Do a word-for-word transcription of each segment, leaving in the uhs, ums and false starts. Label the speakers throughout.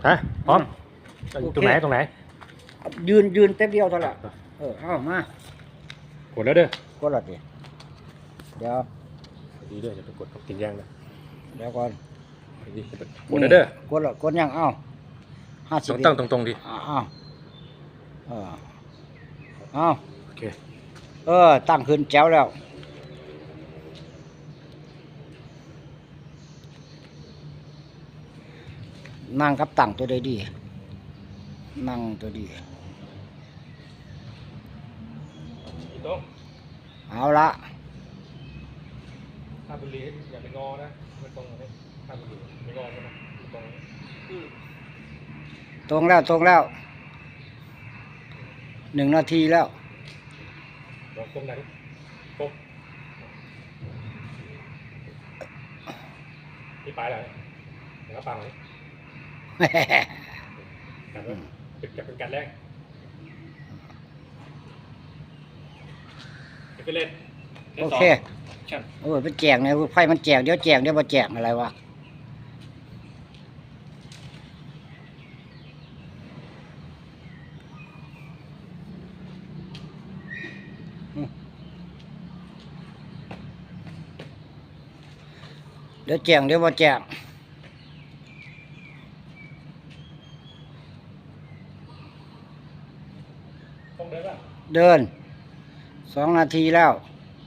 Speaker 1: ฮะพร้อมตรงไหนตรงไหน
Speaker 2: ยืนยืนเต็มเดียวเท่านั้นเออเอามาก
Speaker 1: ดแล้วเด้อก
Speaker 2: ดและดิเดี๋ยว
Speaker 1: ดีเด้ออย่าไปกดติดย่างนะ
Speaker 2: เดี๋ยวก่อน
Speaker 1: ดีกดแล้วเด้อก
Speaker 2: ดและกดยังเอ้าห้าสิบ
Speaker 1: ตั้งตรงๆดิ
Speaker 2: อ้าวเออเอา
Speaker 1: โอเค
Speaker 2: เออตั้งขึ้นแจ๋วแล้วนั่งกับตั้งตัวใดดีนั่งตัวดีเอาละ
Speaker 1: ถ้าบุรีอย่าไปงอนะไม่ตรงเลยถ้าบุรีไม่งอนะตรง
Speaker 2: ตรงแล้วตรงแล้วหนึ่งนาทีแล้ว
Speaker 1: ลองตรงไหนตรงนี่ไปแล้วเดี๋ยวฟังเลยกันว่าเป็นกับเป็นการแรกไปเล่น
Speaker 2: โอเคโอ้ยมันแจกเนี่ยไฟมันแจกเดี๋ยวแจกเดี๋ยวมาแจกอะไรวะเดี๋ยวแจกเดี๋ยวมาแจก
Speaker 1: ต้องเดินป่ะ
Speaker 2: เดินสองนาทีแล้ว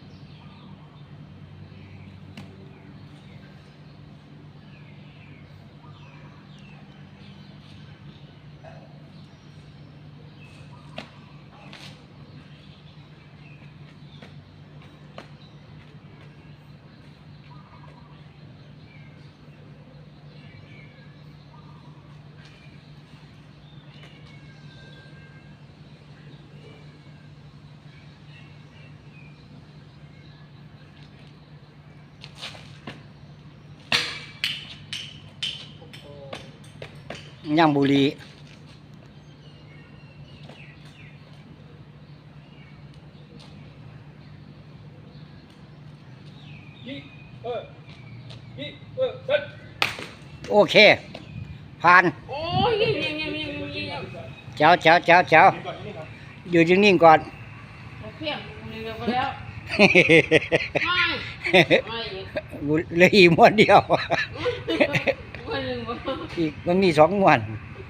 Speaker 2: ย่างบุรีโอเคผ่าน
Speaker 3: โอ้ยยิงยิงยิงยิงยิง
Speaker 2: เจ้าเจ้าเจ้าเจ้าอยู่นิ่งๆก่อน
Speaker 3: เพียงยิงไปแล้ว
Speaker 2: เหลืออีกม้วนเดียวอีกมันมีสองม้วน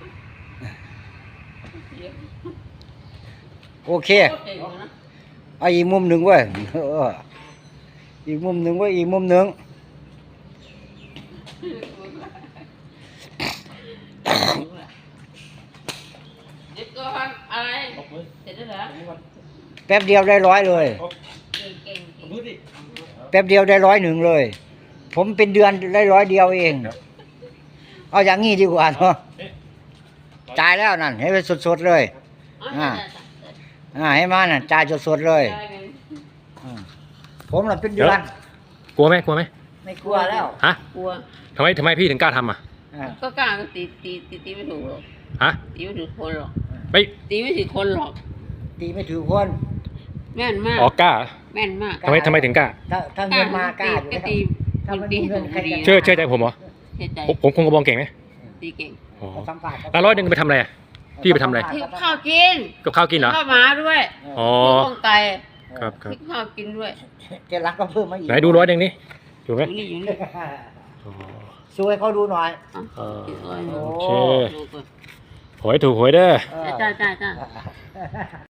Speaker 2: โอเคเอาอีกมุมหนึ่งเว้ยอีกมุมหนึ่งเว้ยอีกมุมหนึ่งแป๊บเดียวได้ร้อยเลยแป๊บเดียวได้ร้อยหนึ่งเลยผมเป็นเดือนได้ร้อยเดียวเองเอาอย่างงี้ดีกว่าเนาะจ่ายแล้วนั่นให้ไปสดๆเลยอ่าอ่าให้มานั่นจ่ายสดๆเลยผมน่ะเป็นเดือน
Speaker 1: กลัวไหมกลัวไหม
Speaker 2: ไม่กลัวแล้ว
Speaker 1: ฮะ
Speaker 3: กลัว
Speaker 1: ทำไมทำไมพี่ถึงกล้าทำอ่ะ
Speaker 3: ก็กล้าตีตีตีตีไม่ถูกหรอก
Speaker 1: ฮะ
Speaker 3: ตีไม่ถูกคนหรอก
Speaker 1: ไม่
Speaker 3: ตีไม่ถูกคนหรอก
Speaker 2: ตีไม่ถูกคน
Speaker 3: แม่นมาก
Speaker 1: อ๋อกล้า
Speaker 3: แม่นมาก
Speaker 1: ทำไมทำไมถึงกล้า
Speaker 2: ถ้าถ้าเงินมากล้าอยู่
Speaker 3: ตีถ้ามันตีถูกคดี
Speaker 1: เชื่อเชื่อใจผมเหรอ
Speaker 3: เชื่อใจ
Speaker 1: ผมคงกระบองเก่งไหม
Speaker 3: ตีเก่ง
Speaker 1: อ๋อแล้วร้อยหนึ่งไปทำอะไรพี่ไปทำอะไร
Speaker 3: ที่ข้าวกิน
Speaker 1: กับข้าวกินเหรอ
Speaker 3: ข้าวหมาด้วย
Speaker 1: อ๋อ
Speaker 3: ข้าวไก่
Speaker 1: ครับครับ
Speaker 3: ที่ข้าวกินด้วย
Speaker 2: เจรักก็เพิ่มมาอีก
Speaker 1: ไหนดูร้อยหนึ่งนี่ถูกไหม
Speaker 3: อยู่นี่อยู่นี่
Speaker 2: ช่วยเขาดูหน่อย
Speaker 1: โอเคหวยถูกหวยเด้อ
Speaker 3: จ้าจ้าจ้า